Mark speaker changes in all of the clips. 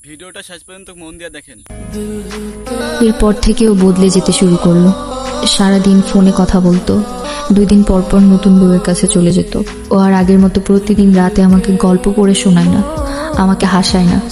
Speaker 1: ভিডিওটা শেষ পর্যন্ত মন দিয়ে দেখেন।
Speaker 2: এরপর থেকেও বদলে যেতে শুরু করলো। সারাদিন ফোনে কথা বলতো, 2 দিন পর পর নতুন বউয়ের কাছে চলে যেত। ও আর আগের মতো প্রতিদিন রাতে আমাকে গল্প পড়ে শোনায় না, আমাকে হাসায় না।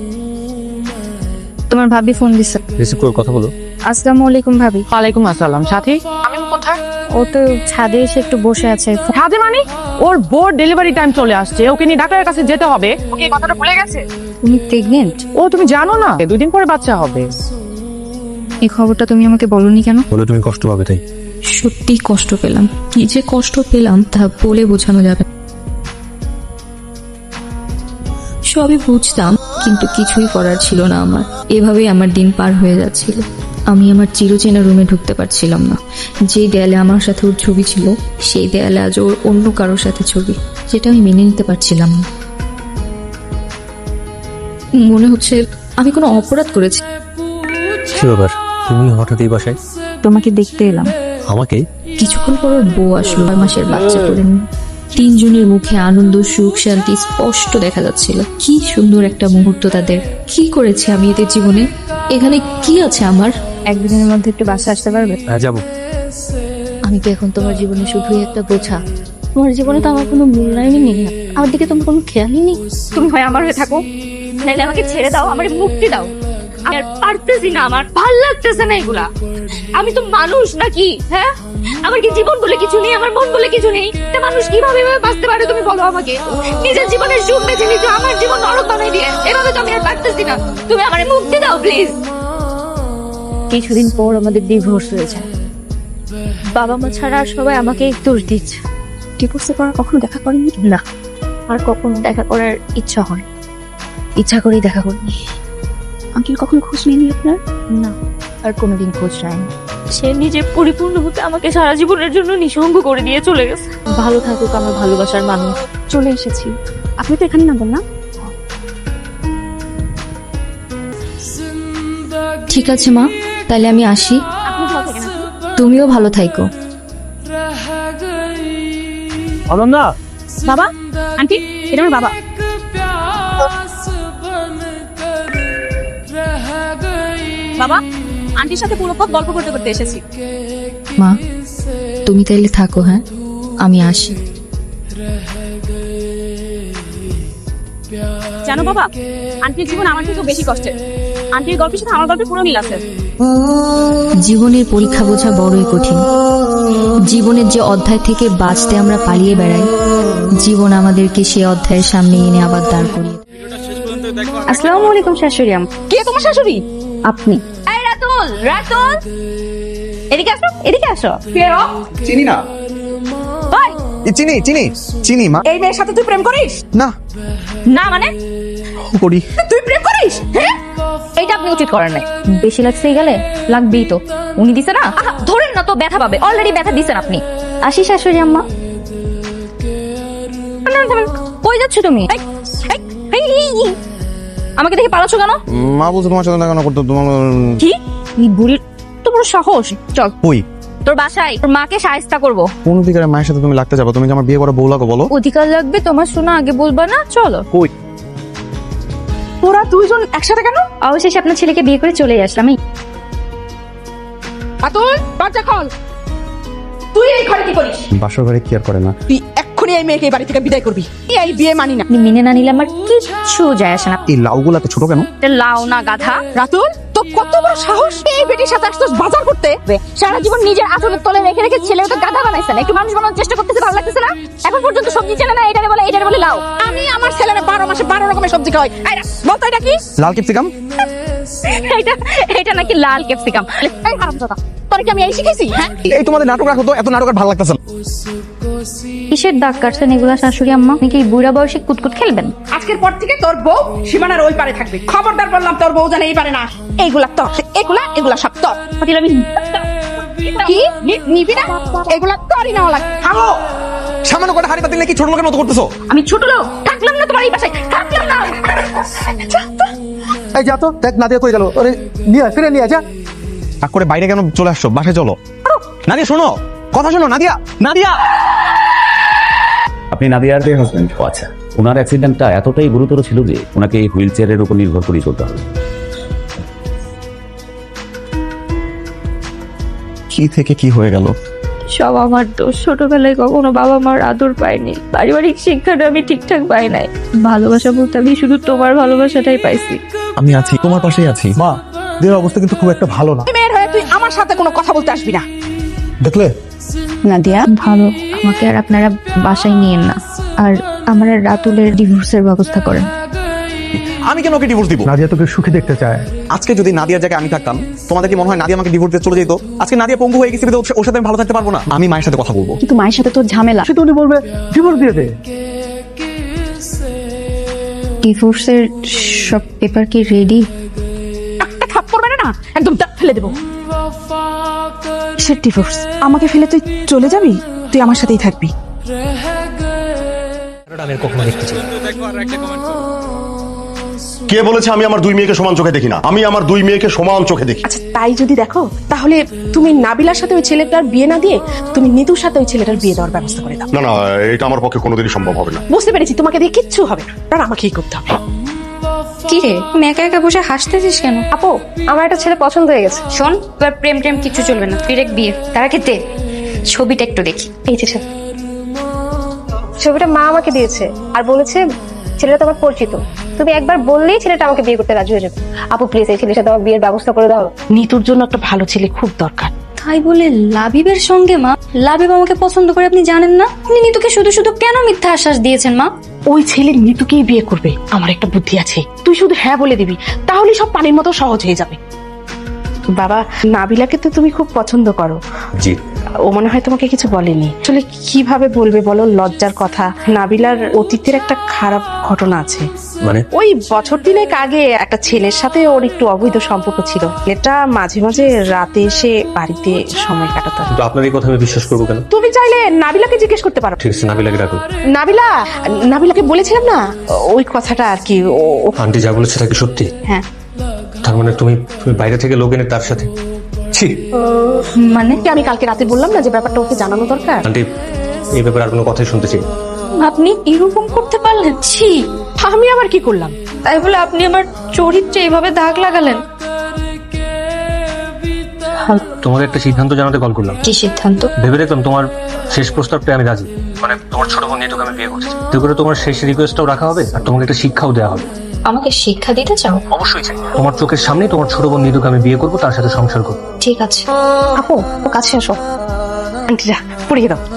Speaker 3: তোমার ভাবি ফোন দিছে।
Speaker 4: রিসিভ করে কথা বলো।
Speaker 3: আসসালামু আলাইকুম ভাবি।
Speaker 5: ওয়ালাইকুম আসসালাম। সাথী আমি কোথায়?
Speaker 3: ও তো ছাদে এসে একটু বসে আছে।
Speaker 5: ছাদে মানে? ওর বোর ডেলিভারি টাইম চলে আসছে, ওকে নিয়ে ডাক্তারের কাছে যেতে হবে। ওকে এই কথাটা ভুলে গেছে?
Speaker 3: তুমি প্রেগনেন্ট?
Speaker 5: ও তুমি জানো না 2 দিন পরে বাচ্চা হবে।
Speaker 3: এই খবরটা তুমি আমাকে বলনি কেন?
Speaker 4: বলে তুমি কষ্ট পাবে তাই।
Speaker 2: সত্যি কষ্ট পেলাম, কি যে কষ্ট পেলাম তা বলে বোঝানো যাবে না। সবই বুঝতাম, কিন্তু কিছুই করার ছিল না আমার। এভাবেই আমার দিন পার হয়ে যাচ্ছিল। আমি আমার চিরচেনা রুমে ঢুকতে পারছিলাম না। যে দেয়ালে আমার সাথে ওর ছবি ছিল, সেই দেয়ালে আজ ওর অন্য কারোর সাথে ছবি, যেটা আমি মেনে নিতে পারছিলাম না। মনে হচ্ছে আমি কোনো অপরাধ করেছি।
Speaker 4: কি ব্যাপার, তুমি হঠাৎ এই বাসায়?
Speaker 3: তোমাকে দেখতে এলাম।
Speaker 4: আমাকে?
Speaker 2: কিছুক্ষণ পর ওর বউ আসলো 6 মাসের বাচ্চা করে নিয়ে। 3 জনের মুখে আনন্দ, সুখ, শান্তি স্পষ্ট দেখা যাচ্ছিল। কি সুন্দর একটা মুহূর্ত তাদের। কি করেছে আমি এদের জীবনে? এখানে কি আছে আমার?
Speaker 3: একদিনের মধ্যে একটু বাসা আসতে পারবে?
Speaker 4: হ্যাঁ যাবো।
Speaker 2: আমি তো এখন তোমার জীবনে শুধুই একটা বোঝা। তোমার জীবনে তো আমার কোনো মূল্যায়নই নেই, আমার দিকে তোমার কোনো খেয়ালই নেই।
Speaker 6: তুমি হয় আমার হয়ে থাকো, নাহলে আমাকে ছেড়ে দাও, আমার মুক্তি দাও। আর পারতেছি না, আমার ভাল লাগতেছে না এগুলা। আমি তো মানুষ নাকি? হ্যাঁ, আমার কি জীবন বলে কিছু নেই, আমার মন বলে কিছু নেই? তা মানুষ কিভাবে এভাবে বাঁচতে পারে তুমি বলো আমাকে? নিজের জীবনের সুখ বেছে নিতে আমার জীবন নরক বানাই দিয়ে, এভাবে তো আমি আর পারতেছি না। তুমি আমার মুক্তি দাও প্লিজ। কিছুদিন পর আমাদের ডিভোর্স হয়েছে। বাবা মা ছাড়া আর সবাই আমাকে দোষ দিচ্ছে।
Speaker 3: ডিভোর্সের পর কখনো দেখা করেনি?
Speaker 6: না, আর কখনো দেখা করার ইচ্ছা হয়, ইচ্ছা করেই দেখা করিনি।
Speaker 3: আঙ্কেল কখনো খোঁজ নেয়নি আপনার?
Speaker 6: না, আর কোনোদিন খোঁজ নেয়নি। সে নিজে পরিপূর্ণ হতে আমাকে সারা জীবনের জন্য নিঃসঙ্গ করে দিয়ে চলে গেছে। ভালো থাকুক আমার ভালোবাসার মানুষ।
Speaker 3: চলে এসেছি। আপনি তো এখানে নামবেন না?
Speaker 2: ঠিক আছে মা, তাহলে আমি আসি।
Speaker 6: আপনি ভালো থাকেন।
Speaker 2: তুমিও ভালো থাইকো।
Speaker 4: অনন্যা,
Speaker 3: বাবা, আন্টি, এটা আমার বাবা। বাবা, আন্টির সাথে পুরো পথ গল্প করতে করতে এসেছি।
Speaker 2: মা, তুমি তাইলে থাকো, হ্যাঁ আমি আসি।
Speaker 3: জানো বাবা, আন্টির জীবন আমার থেকেও বেশি কষ্টের। আন্টির গল্পের সাথে আমার গল্পের পুরো মিল আছে।
Speaker 2: জীবনের পরীক্ষা বোঝা বড়ই কঠিন। জীবনের যে অধ্যায় থেকে বাঁচতে আমরা পালিয়ে বেড়াই, জীবন আমাদেরকে সে অধ্যায়ের সামনে এনে আবার দাঁড় করিয়ে দেয়।
Speaker 1: ভিডিওটা শেষ পর্যন্ত দেখো।
Speaker 3: আসসালামু আলাইকুম শাশুড়ি আম্মা।
Speaker 6: কে তোমার শাশুড়ি?
Speaker 3: আপনি?
Speaker 6: এই রাতুল, রাতুল, এদিকে আসো, এদিকে আসো। কে ও?
Speaker 7: চিনি না।
Speaker 6: ওই,
Speaker 7: চিনি চিনি চিনি মা।
Speaker 6: এই মেয়ের সাথে তুই প্রেম করিস?
Speaker 7: না
Speaker 6: না মানে?
Speaker 7: করি।
Speaker 6: তুই প্রেম করিস? হ্যাঁ, এইটা আপনি উচিত করেন নাই।
Speaker 2: বেশি লাগছে গেলে লাগবেই তো, উনি দিছে না।
Speaker 6: আহা, ধরেন না তো, ব্যথা পাবে। অলরেডি ব্যথা দিছেন আপনি।
Speaker 2: আসি শাশুড়ি আম্মা।
Speaker 6: কই যাচ্ছ তুমি? এই, এই, এই, এই, আমাকে দেখে পালাচ্ছ কেন?
Speaker 7: মা বলছে তোমার সাথে দেখা করতে তোমার।
Speaker 6: কি? এই বুড়ির তো বড় সাহস। চল
Speaker 7: কই?
Speaker 6: তোর বাসায় তোর মাকে সাহায্য করবো।
Speaker 7: কোন অধিকারে মায়ের সাথে তুমি লাগতে যাবো? তুমি কি আমার বিয়ে করা বউ লাগো বলো?
Speaker 6: অধিকার লাগবে তোমার, শোনা আগে বলবা না? চলো।
Speaker 7: কই?
Speaker 6: তোরা দুইজন একসাথে কেন?
Speaker 2: অবশেষে আপনার ছেলেকে বিয়ে করে চলে আসলাম।
Speaker 6: আতুল, দরজা খোল। তুই এই ঘরে কি করিস?
Speaker 7: বাসর ঘরে কি আর করে না।
Speaker 5: তুই এক্ষুনি এই মেয়েকে এই বাড়ি থেকে বিদায় করবি। এই বিয়ে মানি না।
Speaker 2: আপনি মেনে না নিলে আমার কিচ্ছু যায় আসে না।
Speaker 7: এই লাউগুলা তো ছোট কেন?
Speaker 6: এটা লাও না গাধা।
Speaker 5: রাতুল, তো কত বড় সাহস এই বেটির সাথে আসছিস বাজার করতে?
Speaker 6: সারা জীবন নিজের আঁচলের তলে রেখে রেখে ছেলেকে গাধা বানাইছে না। একটু মানুষ বানানোর চেষ্টা করতেছে, ভালো লাগতেছে না? এখন পর্যন্ত সবজি চেনে না, এটারে বলে লাও।
Speaker 5: আমি আমার ছেলের 12 মাসে 12 রকমের সবজি খাওয়াই। এই বলতো এটা কি?
Speaker 7: লাল ক্যাপসিকাম।
Speaker 6: এটা এটা নাকি লাল ক্যাপসিকাম। এই হারামজাদা, তোরে কি আমি এই শিখেছি? হ্যাঁ,
Speaker 7: এই তোমাদের নাটক রাখো তো, এত নাটক আর ভালো লাগতেছে না।
Speaker 2: কিসের দাগ কাটছেন এগুলা শাশুড়ি আম্মা? আপনি কি বুড়া বয়সে কুতকুত খেলবেন?
Speaker 5: আজকের পর থেকে তোর বউ সীমানার ওই পারে থাকবে। খবরদার বললাম, তোর বউ জানে এই পারে না। এইগুলা তোর, এগুলা সব তোর।
Speaker 6: আমি
Speaker 5: কি নিবি না? এগুলা তোরই নেওয়া লাগে।
Speaker 7: থামো, সামান্য কটা হাড়ি পাতিল নাকি ছোট লোকের মতো করতেছো?
Speaker 6: আমি ছোট লোক থাকলাম না তোমার এই বাসায়, থাকলাম না।
Speaker 8: এই যা তো দেখ নাদিয়া কই গেল, ওরে নিয়ে ফিরে নিয়ে যা।
Speaker 7: রাগ করে বাইরে কেন চলে আসছো? বাসায় চলো। নাদিয়া শোনো, কথা শোনো। নাদিয়া, নাদিয়া। আপনি নাদিয়ার হাজবেন্ড? আচ্ছা,
Speaker 9: ওনার অ্যাক্সিডেন্টটা এতটাই গুরুতর ছিল যে ওনাকে এই হুইল চেয়ারের উপর নির্ভর করেই চলতে হবে।
Speaker 7: কি থেকে কি হয়ে গেল?
Speaker 6: সব আমার দোষ। ছোটবেলায় কখনো বাবা মার আদর পাইনি, পারিবারিক শিক্ষাটা আমি ঠিকঠাক পাই নাই। ভালোবাসা বলতে আমি শুধু তোমার ভালোবাসাটাই পাইছি।
Speaker 7: আমি আছি, তোমার পাশেই আছি।
Speaker 8: মা দেহের অবস্থা কিন্তু খুব একটা ভালো না,
Speaker 5: মেয়ের হয়ে তুই আমার সাথে কোনো কথা বলতে আসবি না।
Speaker 8: দেখলে?
Speaker 2: নাদিয়া ভালো, আমাকে আর আপনারা বাসায় নিয়েন না, আর আমার আর রাতুলের ডিভোর্সের ব্যবস্থা করেন।
Speaker 7: আমি কেন ওকে ডিভোর্স দিব?
Speaker 8: নাদিয়া তোকে সুখী দেখতে চায়।
Speaker 7: আজকে যদি নাদিয়ার জায়গায় আমি থাকতাম, তোমাদের কি মনে হয় নাদিয়া আমাকে ডিভোর্স দিয়ে চলে যেত? আজকে নাদিয়া পঙ্গু হয়ে গেছে, ওর সাথে আমি ভালো থাকতে পারবো না। আমি মায়ের সাথে কথা বলবো।
Speaker 5: কিন্তু মায়ের সাথে তোর ঝামেলা।
Speaker 8: সে তো উনি বলবে ডিভোর্স দিয়ে দে।
Speaker 2: ডিভোর্সের সব পেপার কি রেডি?
Speaker 5: একটা থাপ্পড় মেরে না একদম দাঁত ফেলে দেবো। সে ডিভোর্স, আমাকে ফেলে তুই চলে যাবি? তুই আমার সাথেই থাকবি।
Speaker 4: আমি আর কখনো দেখতে চাই না।
Speaker 1: দেখো আর একটা কমেন্ট করো।
Speaker 10: কে বলেছে আমি আমার দুই মেয়েকে সমান চোখে দেখি না? আমি আমার দুই মেয়েকে সমান চোখে দেখি।
Speaker 5: আচ্ছা তাই যদি দেখো, তাহলে তুমি নাবিলার সাথে ওই ছেলেটার বিয়ে না দিয়ে তুমি নিতুর সাথে ওই ছেলেটার বিয়ে দেওয়ার ব্যবস্থা করে দাও।
Speaker 10: না না, এটা আমার পক্ষে কোনোদিনই সম্ভব হবে না।
Speaker 5: বুঝতে পেরেছি, তোমাকে দিয়ে কিচ্ছু হবে না, আর আমাকেই করতে হবে।
Speaker 2: কি রে, তুমি একা একা বসে হাসতেছিস কেন?
Speaker 6: আপু, আমার একটা ছেলে পছন্দ হয়ে গেছে। শোন, তোর প্রেম টেম কিছু চলবে না, ডিরেক্ট বিয়ে। তার আগে দে ছবিটা একটু দেখি। এই যে ছবিটা মা আমাকে দিয়েছে আর বলেছে ছেলেটা তোমার পরিচিত, তুমি একবার বললেই ছেলেটা আমাকে বিয়ে করতে রাজি হয়ে যাবে। আপু প্লিজ এই ছেলের সাথে আমার বিয়ের ব্যবস্থা করে দাও।
Speaker 5: নিতুর জন্য একটা ভালো ছেলে খুব দরকার।
Speaker 2: তাই বলে লাবিবের সঙ্গে? মা, লাবিব আমাকে পছন্দ করে আপনি জানেন না? আপনি নিতুকে শুধু শুধু কেন মিথ্যা আশ্বাস দিয়েছেন মা?
Speaker 5: ওই ছেলে নিতুকেই বিয়ে করবে। আমার একটা বুদ্ধি আছে, তুই শুধু হ্যাঁ বলে দিবি, তাহলে সব পানির মতো সহজ হয়ে যাবে। বাবা, নাবিলাকে তো তুমি খুব পছন্দ করো।
Speaker 4: জি।
Speaker 5: ও মনে হয় তোমাকে কিছু বলেনি। আসলে কিভাবে বলবে বলো, লজ্জার কথা। নাবিলার অতীতের একটা খারাপ ঘটনা আছে।
Speaker 4: মানে?
Speaker 5: ওই বছর দিনেক আগে একটা ছেলের সাথে ওর একটু অবৈধ সম্পর্ক ছিল। এটা মাঝে মাঝে রাতে এসে বাড়িতে সময় কাটাতো।
Speaker 4: কিন্তু আপনার এই কথা আমি বিশ্বাস করবো কেন?
Speaker 5: তুমি চাইলে নাবিলাকে জিজ্ঞেস করতে পারো।
Speaker 4: ঠিক আছে, নাবিলাকে ডাকুন।
Speaker 5: নাবিলাকে বলেছিলাম না ওই কথাটা আর কি।
Speaker 4: আন্টি যা বলেছে তা কি সত্যি?
Speaker 5: হ্যাঁ।
Speaker 4: তার মানে তুমি বাইরে থেকে লোক এনে তার সাথে? ছি।
Speaker 5: মানে আমি কালকে রাতে বললাম না যে ব্যাপারটা ওকে জানানো দরকার।
Speaker 4: আন্টি এই ব্যাপারে আর কোনো কথাই শুনতে চাই না।
Speaker 2: আপনি এরকম করতে পারলেন? ছি।
Speaker 5: আমি আবার কি করলাম?
Speaker 2: তাই বলে আপনি আমার চরিত্রে এইভাবে দাগ লাগালেন?
Speaker 4: তোমাকে একটা সিদ্ধান্ত জানাতে কল করলাম।
Speaker 2: কি সিদ্ধান্ত?
Speaker 4: ভেবে দেখলাম তোমার শেষ প্রস্তাবটা আমি রাজি। মানে তোমার ছোট বোন নিতুকে আমি বিয়ে করছি। তো করে তোমার শেষ রিকোয়েস্টটাও রাখা হবে আর তোমাকে একটা শিক্ষাও দেওয়া হবে।
Speaker 2: আমাকে শিক্ষা দিতে চাও?
Speaker 4: অবশ্যই চাই। তোমার চোখের সামনেই তোমার ছোট বোন নিতুকে আমি বিয়ে করবো, তার সাথে সংসার করবো।
Speaker 2: ঠিক আছে।
Speaker 5: আপু ও কাছে আসো। আন্টিরা পড়িয়ে দাও।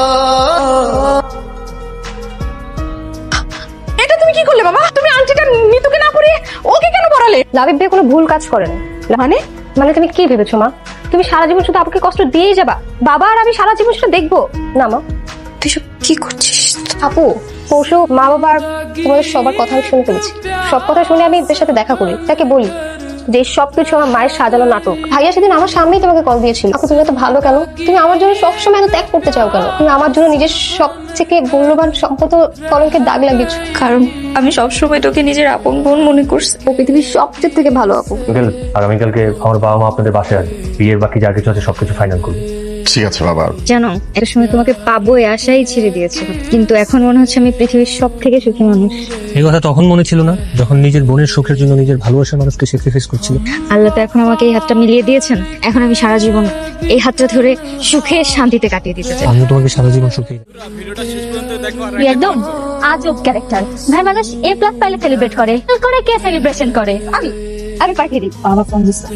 Speaker 5: এটা তুমি কি করলে বাবা? তুমি আন্টিটা নিতুকে না পড়িয়ে ওকে কেন পড়ালে?
Speaker 6: লাবিব ভাই কোনো ভুল কাজ করেন।
Speaker 5: মানে
Speaker 6: মানে তুমি কি ভেবেছো মা? তুমি সারা জীবন শুধু আপুকে কষ্ট দিয়েই যাবা? বাবা আর আমি সারা জীবন সেটা দেখবো না মা?
Speaker 2: তুই সব কি করছিস?
Speaker 6: আপু পরশু মা বাবার তোমাদের সবার কথা আমি শুনে ফেলেছি। সব কথা শুনে আমি এদের সাথে দেখা করি, তাকে বলি যে সবকিছু আমার মায়ের সাজানো নাটক। ভাইয়া সেদিন আমার সামনেই তোমাকে কল দিয়েছিল। আপু তুমি এত ভালো কেন? তুমি আমার জন্য সবসময় এত ত্যাগ করতে চাও কেন? তুমি আমার জন্য নিজের সব থেকে মূল্যবান সম্পদ কলঙ্কের দাগ লাগিয়েছো।
Speaker 2: কারণ আমি সবসময় তোকে নিজের আপন বোন মনে করছি।
Speaker 6: ও পৃথিবীর সবচেয়ে থেকে ভালো আপু।
Speaker 4: আগামীকালকে আমার বাবা মা আপনাদের বাসায় আসবে। বিয়ের বাকি যা কিছু আছে সবকিছু ফাইনাল করবে।
Speaker 10: ঠিক আছে বাবা।
Speaker 2: জানো, একটা সময় তোমাকে পাবো এই আশাই ছেড়ে দিয়েছে, কিন্তু এখন মনে হচ্ছে আমি পৃথিবীর সব থেকে সুখী মানুষ।
Speaker 4: এই কথা তখন মনে ছিল না যখন নিজের বোনের সুখের জন্য নিজের ভালোবাসার মানুষকে স্যাক্রিফাইস করছিল।
Speaker 2: আল্লাহ তো এখন আমাকে এই হাতটা মিলিয়ে দিয়েছেন। এখন আমি সারা জীবন এই হাতটা ধরে সুখে শান্তিতে কাটিয়ে দিতে চাই।
Speaker 4: আমি তোমাকে সারা জীবন সুখী।
Speaker 1: ভিডিওটা শেষ পর্যন্ত দেখো আর
Speaker 6: তুই একদম আজব ক্যারেক্টার। ভাই মানুষ এ প্লাস পাইলে সেলিব্রেট করে, করে কে সেলিব্রেশন করে? আমি পাঠিয়ে দিই।
Speaker 2: বাবা ফোন দিচ্ছে।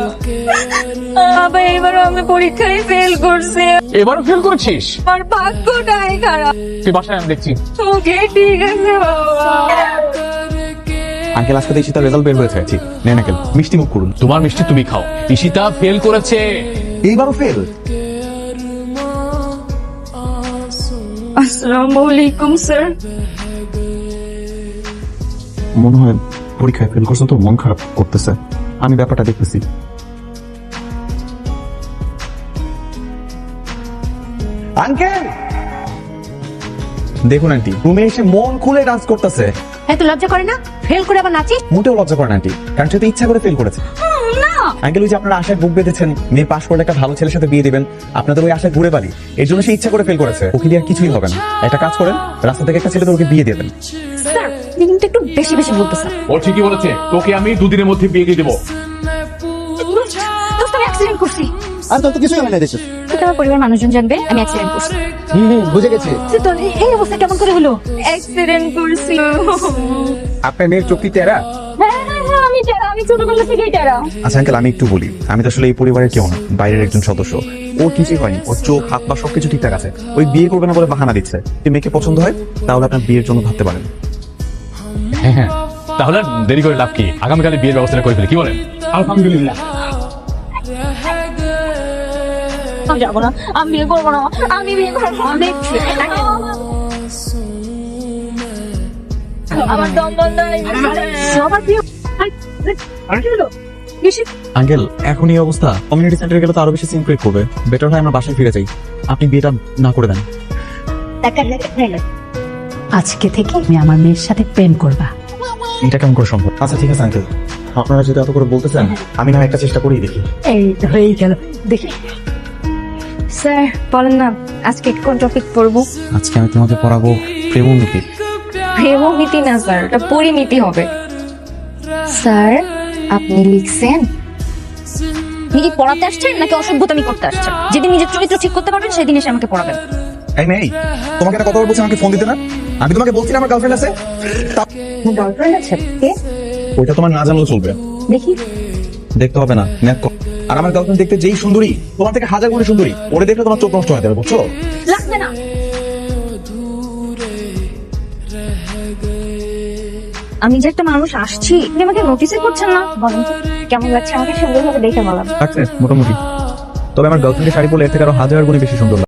Speaker 2: বাবা এবারও আমি পরীক্ষায় ফেল করছি।
Speaker 11: এবারও ফেল করেছিস?
Speaker 2: আমার ভাগ্যটাই খারাপ।
Speaker 11: তুই বাসায় আমি দেখছি।
Speaker 2: ওকে ঠিক আছে বাবা।
Speaker 7: আঙ্কেল আজকে দেখছি তার রেজাল্ট বের হয়েছে। ঠিক নেন আঙ্কেল, মিষ্টি মুখ করুন।
Speaker 11: তোমার মিষ্টি তুমি খাও। ঈশিতা ফেল করেছে।
Speaker 7: এইবারও ফেল?
Speaker 2: আসসালামু আলাইকুম স্যার।
Speaker 7: মনে হয় পরীক্ষায় ফেল করছেন তো মন খারাপ করতেছে। আমি ব্যাপারটা দেখতেছি। আঙ্কেল দেখুন আন্টি রুমে এসে মন খুলে ডান্স করতেছে।
Speaker 5: এত লজ্জা করে না? ফেল করে আবার নাচি?
Speaker 7: মোটেও লজ্জা করে না আন্টি, কারণ সে তো ইচ্ছা করে ফেল করেছে।
Speaker 5: না
Speaker 7: আঙ্কেল ওই যে আপনারা আশায় বুক বেঁধেছেন মেয়ে পাশ করলে একটা ভালো ছেলের সাথে বিয়ে দিবেন, আপনাদের ওই আশায় ঘুরে বাড়ি, এর জন্য সে ইচ্ছা করে ফেল করেছে। ওকে দিয়ে আর কিছুই হবে না। একটা কাজ করেন, রাস্তা থেকে একটা ছেলে তো ওকে বিয়ে দিয়ে দেন।
Speaker 6: স্যার আপনি কিন্তু একটু বেশি বেশি বলতেছেন।
Speaker 11: ও ঠিকই বলেছে, তোকে আমি 2 দিনের মধ্যে বিয়ে দিয়ে দেবো।
Speaker 6: দোস্ত, আমি অ্যাক্সিডেন্ট করছি।
Speaker 8: আর তো কিছুই হয় না দেখছিস।
Speaker 6: তো আমার পরিবার মানুষজন জানবে আমি অ্যাক্সিডেন্ট করছি।
Speaker 8: বুঝে গেছি।
Speaker 6: তো এই অবস্থা কেমন করে হলো? অ্যাক্সিডেন্ট করছি।
Speaker 8: আপনার মেয়ের চোখটি টেরা।
Speaker 6: হ্যাঁ, আমি টেরা, আমি ছোটবেলা থেকেই টেরা।
Speaker 7: আচ্ছা আঙ্কেল আমি একটু বলি, আমি তো আসলে এই পরিবারের কেউ না, বাইরের একজন সদস্য। ওর কিছুই হয়নি, ওর চোখ হাত পা সবকিছু ঠিকঠাক আছে। ওই বিয়ে করবে না বলে বাহানা দিচ্ছে। যদি মেয়েকে পছন্দ হয় তাহলে আপনার বিয়ের জন্য ভাবতে পারেন।
Speaker 11: হ্যাঁ, তাহলে আর দেরি করে লাভ কি? আগামীকালে বিয়ের ব্যবস্থা করে ফেলি, কি বলেন? আলহামদুলিল্লাহ।
Speaker 6: আমি যাবো না, আমি বিয়ে করবো না, আমি বিয়ে করবো না। আমার দম বন্ধ হয়ে গেছে। সবার প্রিয়
Speaker 7: আঙ্কেল এখন এই অবস্থা, কমিউনিটি সেন্টারে গেলে তো আরো বেশি সিনক্রেট করবে। বেটার হয় আমরা বাসায় ফিরে যাই। আপনি বিয়েটা না করে দেন।
Speaker 5: আজকে থেকে তুমি আমার মেয়ের সাথে প্রেম করবা।
Speaker 7: এটা কেমন করে সম্ভব? আচ্ছা ঠিক আছে আঙ্কেল, আপনারা যদি এত করে বলতেছেন আমি না একটা চেষ্টা করেই দেখি।
Speaker 5: এই হয়েই গেল, দেখি।
Speaker 6: স্যার বলেন না আজকে কোন টপিক পড়বো?
Speaker 7: আজকে আমি তোমাকে পড়াবো প্রেমনীতি।
Speaker 6: প্রেমনীতি না স্যার, এটা পরিমিতি হবে। স্যার আপনি লিখছেন? আপনি কি পড়াতে আসছেন নাকি অসভ্যতামি করতে আসছেন? যেদিন নিজের চরিত্র ঠিক করতে পারবেন সেদিন এসে আমাকে পড়াবেন।
Speaker 7: এই মেয়ে, তোমাকে একটা কথা বলছি, আমাকে ফোন দিতে না? আমি তোমাকে বলছি না আমার গার্লফ্রেন্ড আছে।
Speaker 6: গার্লফ্রেন্ড আছে? কে?
Speaker 7: ওইটা তোমার না জানলেও চলবে।
Speaker 6: দেখি।
Speaker 7: দেখতে হবে না, ম্যাথ কর। আর আমার গার্লফ্রেন্ড দেখতে যেই সুন্দরী, তোমার থেকে 1000 গুণে সুন্দরী। ওরে দেখলে তোমার চোখ নষ্ট হয়ে যাবে, বুঝছো?
Speaker 6: লাগবে না। আমি যে একটা মানুষ আসছি, আপনি আমাকে নোটিসই করছেন না। বলেন তো কেমন লাগছে আমাকে? সুন্দরভাবে দেখে বলেন।
Speaker 7: মোটামুটি। তবে আমার গার্লফ্রেন্ডের শাড়ি পরলে এর থেকে আরো 1000 গুণে বেশি সুন্দর লাগে।